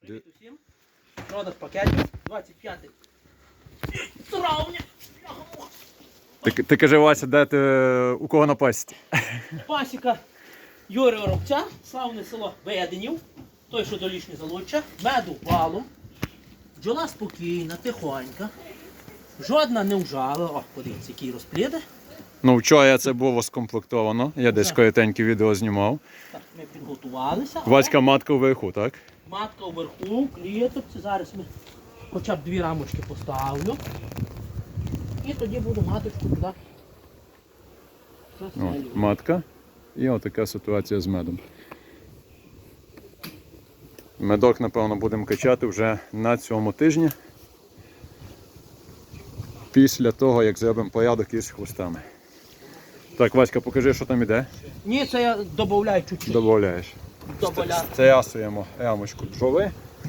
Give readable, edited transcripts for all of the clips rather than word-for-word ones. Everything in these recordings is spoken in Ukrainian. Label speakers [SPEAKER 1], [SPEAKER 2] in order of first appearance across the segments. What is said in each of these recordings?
[SPEAKER 1] Привіт усім. Продаж пакетів 25 травня.
[SPEAKER 2] Ти кажи, Вася, де ти, у кого напасти?
[SPEAKER 1] Пасіка Юрія Воробця, славне село Веденів, той, що долішнє Залуччя, меду валом, бджола спокійна, тихонька, жодна не вжала. О, подивіться, які розпліди.
[SPEAKER 2] Ну, вчора це було скомплектовано, я десь коротеньке відео знімав.
[SPEAKER 1] Так, ми підготувалися.
[SPEAKER 2] Васька матка вверху, так?
[SPEAKER 1] Матка вверху, кліточці. Зараз ми хоча б 2 рамочки поставлю. І тоді буду маточку туди.
[SPEAKER 2] О,
[SPEAKER 1] заселювати.
[SPEAKER 2] матка. І отака ситуація з медом. Медок, напевно, будемо качати вже на цьому тижні. Після того, як зробимо порядок із хвостами. Так, Васька, покажи, що там іде.
[SPEAKER 1] Ні, це я додаю чуть-чуть.
[SPEAKER 2] Добавляєш.
[SPEAKER 1] Добавляю.
[SPEAKER 2] Стрясуємо рамочку бджоли.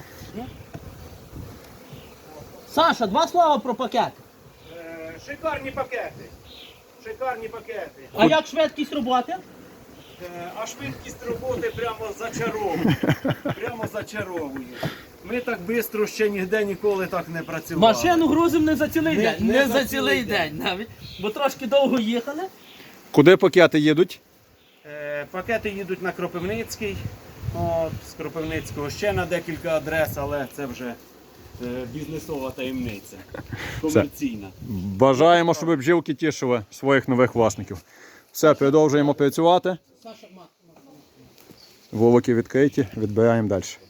[SPEAKER 1] Саша, 2 слова про пакет.
[SPEAKER 3] Шикарні пакети. Шикарні пакети.
[SPEAKER 1] А як швидкість роботи?
[SPEAKER 3] А швидкість роботи прямо зачаровує. Прямо зачаровує. Ми так швидко ще ніде ніколи так не працювали.
[SPEAKER 1] Машину грузимо не за цілий
[SPEAKER 3] Не-
[SPEAKER 1] день.
[SPEAKER 3] не
[SPEAKER 1] Не
[SPEAKER 3] за
[SPEAKER 1] за
[SPEAKER 3] цілий
[SPEAKER 1] цілий день навіть. Бо трошки довго їхали.
[SPEAKER 2] Куди пакети їдуть?
[SPEAKER 3] Пакети їдуть на Кропивницький. От, з Кропивницького ще на декілька адрес, але це вже бізнесова таємниця. Комерційна.
[SPEAKER 2] Бажаємо, щоб бджілки тішили своїх нових власників. Все, продовжуємо працювати.
[SPEAKER 1] Саша,
[SPEAKER 2] Вулики відкриті, відбираємо далі.